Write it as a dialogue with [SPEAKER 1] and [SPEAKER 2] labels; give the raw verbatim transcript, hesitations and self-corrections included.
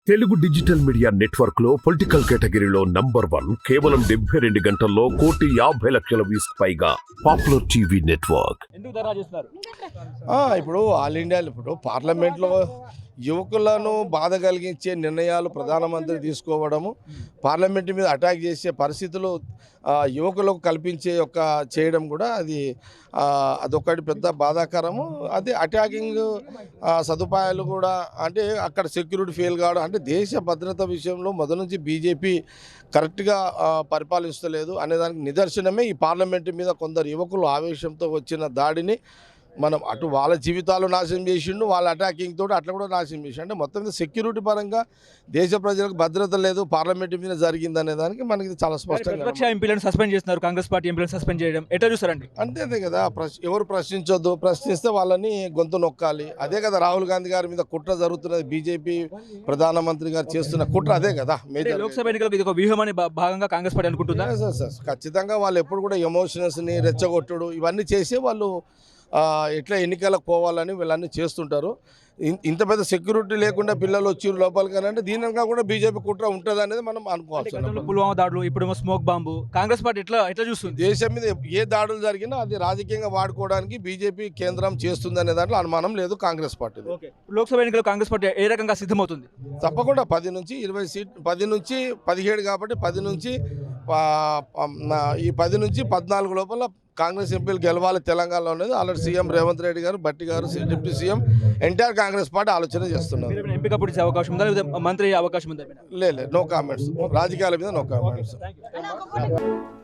[SPEAKER 1] Telugu digital media network లో political కేటగిరీలో number one కేవలం డెబ్బై రెండు గంటల్లో కోటి యాభై లక్షల వ్యూస్ పైగా పాపులర్ టీవీ నెట్వర్క్.
[SPEAKER 2] ఎందుకు ధర్నా చేస్తున్నారు?
[SPEAKER 3] ఆ, ఇప్పుడు ఆల్ ఇండియా ఇప్పుడు పార్లమెంట్లో యువకులను బాధ కలిగించే నిర్ణయాలు ప్రధానమంత్రి తీసుకోవడము, పార్లమెంట్ మీద అటాక్ చేసే పరిస్థితులు ఆ, యువకులకు కల్పించే యొక్క చేయడం కూడా అది ఆ, అదొకటి పెద్ద బాధాకరము. అది అటాకింగ్ సదుపాయాలు కూడా అంటే అక్కడ సెక్యూరిటీ ఫెయిల్ కావడం అంటే దేశ భద్రత విషయంలో మొదటి నుంచి బీజేపీ కరెక్ట్గా పరిపాలిస్తలేదు అనేదానికి నిదర్శనమే ఈ పార్లమెంటు మీద కొందరు యువకులు ఆవేశంతో వచ్చిన దాడిని మనం అటు వాళ్ళ జీవితాలు నాశనం చేసిండు, వాళ్ళ అటాకింగ్ తోటి అట్లా కూడా నాశనం చేసి అంటే మొత్తం మీద సెక్యూరిటీ పరంగా దేశ ప్రజలకు భద్రత లేదు, పార్లమెంట్ మీద జరిగింది అనే దానికి మనకి చాలా స్పష్టంగా
[SPEAKER 2] ప్రతిపక్ష ఎంపీలను సస్పెండ్ చేస్తున్నారు, కాంగ్రెస్ పార్టీ ఎంపీలను సస్పెండ్ చేయడం ఎట్లా చూస్తారండి?
[SPEAKER 3] అంతే అంతే కదా. ప్రశ్ ఎవరు ప్రశ్నించొద్దు, ప్రశ్నిస్తే వాళ్ళని గొంతు నొక్కాలి. అదే కదా రాహుల్ గాంధీ గారి మీద కుట్ర జరుగుతున్నది, బీజేపీ ప్రధానమంత్రి గారు చేస్తున్న కుట్ర అదే కదా. మేజర్
[SPEAKER 2] లోక్సభ ఎన్నికలకు ఇది ఒక వ్యూహమని భా- భాగంగా కాంగ్రెస్ పార్టీ అనుకుంటుందా?
[SPEAKER 3] సార్ సార్ ఖచ్చితంగా వాళ్ళు ఎప్పుడు కూడా ఎమోషన్స్ని రెచ్చగొట్టుడు ఇవన్నీ చేసి వాళ్ళు ఆ, ఎట్లా ఎన్నికలకు పోవాలని వీళ్ళన్నీ చేస్తుంటారు. ఇన్- ఇంత పెద్ద సెక్యూరిటీ లేకుండా పిల్లలు వచ్చి లోపలికి అంటే దీనిగా కూడా బీజేపీ కుట్ర ఉంటుంది అనేది మనం అనుకోవచ్చు.
[SPEAKER 2] గతంలో పుల్వామా దాడులు, ఇప్పుడు స్మోక్ బాంబు, కాంగ్రెస్ పార్టీ ఎట్లా ఎట్లా చూస్తుంది?
[SPEAKER 3] దేశం మీద ఏ దాడులు జరిగినా అది రాజకీయంగా వాడుకోవడానికి బీజేపీ కేంద్రం చేస్తుంది అనే దాంట్లో అనుమానం లేదు కాంగ్రెస్ పార్టీ.
[SPEAKER 2] లోక్సభ ఎన్నికలు కాంగ్రెస్ పార్టీ ఏ రకంగా సిద్ధమవుతుంది?
[SPEAKER 3] తప్పకుండా పది నుంచి ఇరవై సీట్ పది నుంచి పదిహేడు కాబట్టి పది నుంచి పా- ప- ఈ పది నుంచి పద్నాలుగు లోపల కాంగ్రెస్ ఎంపీలు గెలవాలి తెలంగాణలో అనేది ఆల్రెడీ సీఎం రేవంత్ రెడ్డి గారు, భట్టి గారు, deputy CM NTR Congress party ఆలోచన చేస్తున్నారు.
[SPEAKER 2] మీరు ఎంపిక పుట్టించే అవకాశం ఉందా, లేదా మంత్రి అయ్యే అవకాశం ఉందా?
[SPEAKER 3] లేదు, నో కామెంట్స్. రాజకీయాల మీద నో కామెంట్స్.